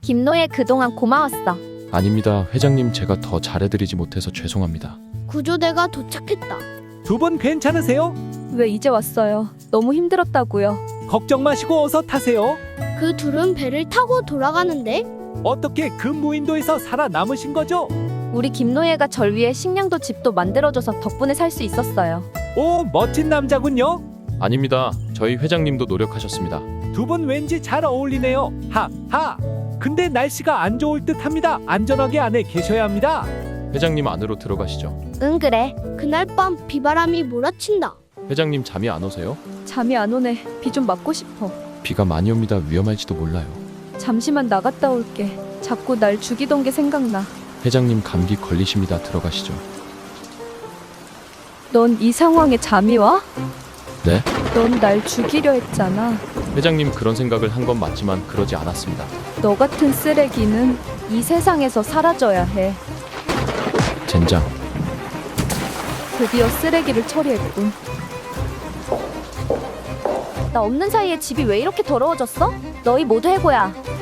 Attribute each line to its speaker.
Speaker 1: 김노예 그동안 고마웠어.
Speaker 2: 아닙니다. 회장님, 제가 더 잘해드리지 못해서 죄송합니다.
Speaker 3: 구조대가 도착했다.
Speaker 4: 두 분 괜찮으세요?
Speaker 1: 왜 이제 왔어요? 너무 힘들었다고요.
Speaker 4: 걱정 마시고 어서 타세요.
Speaker 3: 그 둘은 배를 타고 돌아가는데
Speaker 4: 어떻게 그 무인도에서 살아남으신 거죠?
Speaker 1: 우리 김노예가 절 위해 식량도 집도 만들어줘서 덕분에 살 수 있었어요.
Speaker 4: 오, 멋진 남자군요.
Speaker 2: 아닙니다. 저희 회장님도 노력하셨습니다.
Speaker 4: 두 분 왠지 잘 어울리네요. 하하. 근데 날씨가 안 좋을 듯합니다. 안전하게 안에 계셔야 합니다.
Speaker 2: 회장님, 안으로 들어가시죠.
Speaker 1: 응 그래.
Speaker 3: 그날 밤 비바람이 몰아친다.
Speaker 2: 회장님, 잠이 안 오세요?
Speaker 1: 잠이 안 오네. 비 좀 맞고 싶어.
Speaker 2: 비가 많이 옵니다. 위험할지도 몰라요.
Speaker 1: 잠시만 나갔다 올게. 자꾸 날 죽이던 게 생각나.
Speaker 2: 회장님, 감기 걸리십니다. 들어가시죠.
Speaker 1: 넌 이 상황에 잠이 와?
Speaker 2: 네?
Speaker 1: 넌 날 죽이려 했잖아.
Speaker 2: 회장님, 그런 생각을 한 건 맞지만 그러지 않았습니다.
Speaker 1: 너 같은 쓰레기는 이 세상에서 사라져야 해.
Speaker 2: 젠장.
Speaker 1: 드디어 쓰레기를 처리했군. 나 없는 사이에 집이 왜 이렇게 더러워졌어? 너희 모두 해고야.